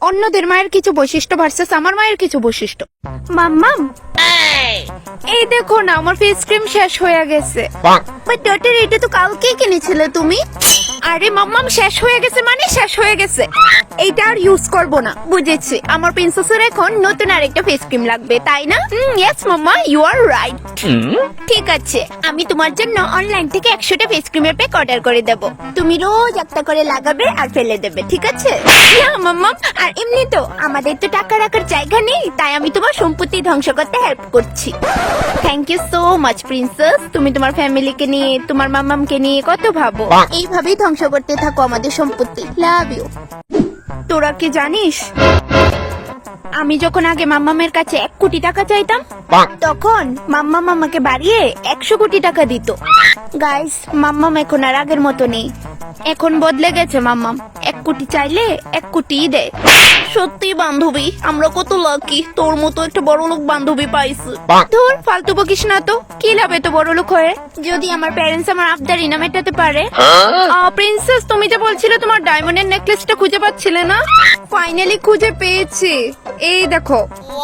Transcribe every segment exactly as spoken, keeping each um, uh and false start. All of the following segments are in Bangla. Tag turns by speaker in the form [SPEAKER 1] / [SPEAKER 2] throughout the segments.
[SPEAKER 1] অন্যদের মায়ের কিছু বৈশিষ্ট্য ভার্সেস আমার মায়ের কিছু বৈশিষ্ট্য। মাম্মাম, এই দেখো না আমার ফেস ক্রিম শেষ হয়ে গেছে। বাট ডটার, এটা তো কালকেই কিনেছিলে তুমি। আরে মাম্মাম, শেষ হয়ে গেছে মানে শেষ হয়ে গেছে, এইটা আর ইউজ করব না। বুঝেছি, আমার প্রিন্সেসের এখন নতুন আরেকটা ফেস ক্রিম লাগবে, তাই না? Yes mamma, you are right. ঠিক আছে, আমি তোমার জন্য অনলাইন থেকে একশোটা ফেস ক্রিমের প্যাক অর্ডার করে দেব। তুমি রোজ একটা করে লাগাবে আর ফেলে দেবে, ঠিক আছে? না মাম্মাম, আর এমনি তো আমাদের তো টাকা রাখার জায়গা নেই, তাই আমি তোমার সম্পত্তি ধ্বংস করতে হেল্প করছি। Thank you so much princess. তুমি তোমার ফ্যামিলিকে নিয়ে, তোমার মাম্মামকে নিয়ে কত ভাবো। এইভাবেই ধ্বংস করতে থাকো আমাদের সম্পত্তি। Love you. তোরা কি জানিস, আমি যখন আগে মাম্মামের কাছে এক কোটি টাকা চাইতাম, তখন মাম্মাম আমাকে বাড়িয়ে একশো কোটি টাকা দিত। গাইস, মাম্মাম এখন আর আগের মতো নেই, এখন বদলে গেছে মাম্মাম। এক কোটি চাইলে এক কোটি দেয়। সত্যি বান্ধবী, আমরা কত লাকি, তোর মতো একটা বড় লোক বান্ধবী পাইছি। ধুর, ফালতু বকিস না তো, কি লাভ এত বড় লোক হয়ে, যদি আমার প্যারেন্টস আমার আবদার ইনা মেটাতে পারে। প্রিন্সেস, তুমি যে বলছিলে তোমার ডায়মন্ডের নেকলেসটা খুঁজে পাচ্ছিলে না, ফাইনালি খুঁজে পেয়েছি। এই দেখো।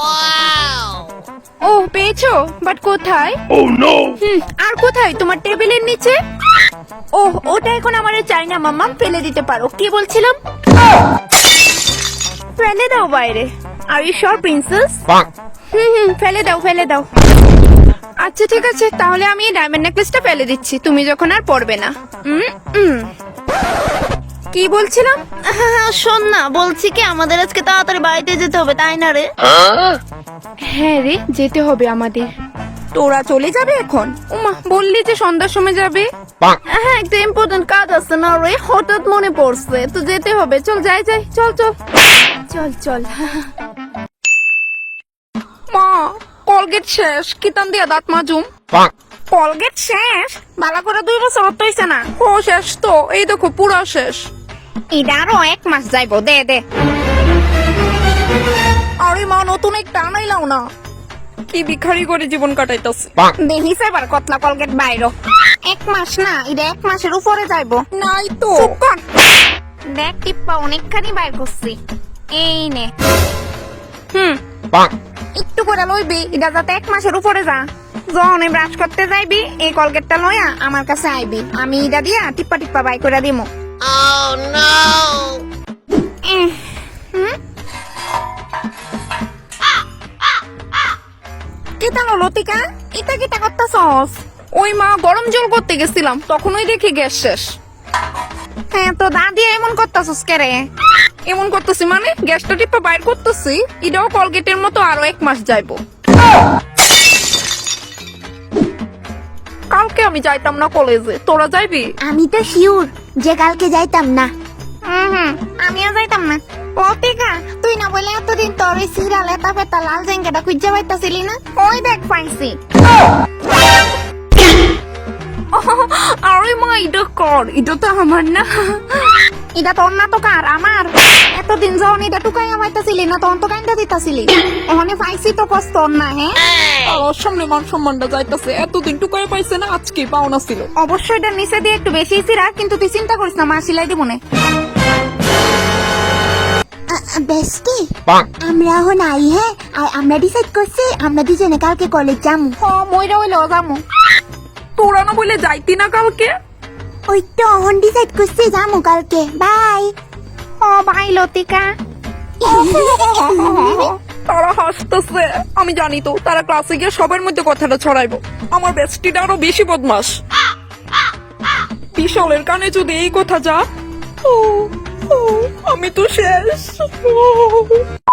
[SPEAKER 1] ও পেয়েছো? বাট কোথায়?
[SPEAKER 2] Oh no!
[SPEAKER 1] হুম, আর কোথায়? তোমার টেবিলের নিচে। ও, ওটা এখন আমার চাই না মাম্মাম, ফেলে দিতে পারো। কি বলছিলাম? ফেলে দাও বাইরে। Are you sure princess? Hmm hmm, ফেলে দাও ফেলে দাও। আচ্ছা ঠিক আছে, তাহলে আমি এই ডায়মন্ড নেকলেসটা ফেলে দিচ্ছি, তুমি যখন আর পরবে না। হুম হুম। কি বলছিলাম? শোন না, বলছি কি আমাদের আজকে তাড়াতাড়ি বাড়িতে যেতে হবে, তাই না রে? হ্যাঁ রে, যেতে হবে আমাদের। তোরা চলে যাবে এখন? উমা, বললি যে সন্ধ্যার সময় যাবে। হ্যাঁ, একটা ইম্পর্টেন্ট কাজ আছে না রে, হঠাৎ মনে পড়ছে, তো যেতে হবে। চল যাই যাই, চল চল চল চল। মা, কলগেট শেষ, কিতান দিয়া দাঁত মাজুম। কলগেট শেষ? বালা করে দুই বছর হইছে না? ও শেষ তো, এই দেখো পুরো শেষ। এটা আরো এক মাস যাইবো, দে দে। আরে মা, নতুন একটা আনাইলাও না। কি ভিখারি করে জীবন কাটাইতাছে। দেখিস এবার কতলা কলগেট বাইরো। এক মাস না, এটা এক মাসের উপরে যাইবো। নাই তো। দেখ টিপ্পা অনেকখানি বাইর করছি। এই নে। হুম, একটু করে লইবি, এটা যাতে এক মাসের উপরে যা। যখন ব্রাশ করতে যাইবি, এই কলগেটটা লইয়া আমার কাছে আইবি, আমি এটা দিয়া টিপ্পা টিপ্পা বাই করে দিমু।
[SPEAKER 2] Oh no!
[SPEAKER 1] কেতা লতিকা, এটা কিটা করতেছস? ওই মা, গরম জল করতে গেছিলাম, তখন ওই দেখি গ্যাস শেষ। হ্যাঁ, তো দাদি এমন করতেছস কে রে? এমন করতেছি মানে গ্যাসটা টিপা বাইর করতেছি, এটাও কলগেটের মতো আরো এক মাস যাইবো। কালকে আমি যাইতাম না কলেজে, তোরা যাইবি?
[SPEAKER 3] আমি তো শিওর যে কালকে যাইতাম না।
[SPEAKER 1] হুম হুম, আমিও যাইতাম না। লতিকা, তুই না বলে এতদিন তোর ওই সিরিয়াল এতা ফেতা লাল জেঙ্গাটা খুঁজে পাইতাছিলি না? ওই দেখ পাইছি। আরে মা, এটা কর, এটা তো আমার না। এটা তোর না তো কার? আমার। এতদিন যখন এটা টুকাই আমাইতাছিলি না, তখন তো কাইন্দা দিতাছিলি। ওখানে পাইছি তো কষ্ট না। হ্যাঁ,
[SPEAKER 4] আর সামনে মান সম্মানটা যাইতাছে, এতদিন টুকাই পাইছে না, আজকে পাওনা ছিল।
[SPEAKER 1] অবশ্যই এটা নিচে দিয়ে একটু বেশি সিরা, কিন্তু তুই চিন্তা করিস না, মা সিলাই দিব না।
[SPEAKER 3] বেস্টি, আমরা এখন আই। হ্যাঁ, আর আমরা ডিসাইড করছি আমরা দুজনে কালকে কলেজ যাবো।
[SPEAKER 1] হ, মইরা হইলো যামু।
[SPEAKER 4] তোরা না বলে যাইতি না কালকে?
[SPEAKER 3] ওই তো এখন ডিসাইড করছি যাবো কালকে। বাই।
[SPEAKER 1] ও ভাই লতিকা।
[SPEAKER 4] তারা হাসতেছে, আমি জানি তো তারা ক্লাসে গিয়ে সবার মধ্যে কথাটা ছড়াইবো। আমার বেস্টিটা আরো বেশি বদমাস। বিশালের কানে যদি এই কথা যা, ও, ও, আমি তো শেষ।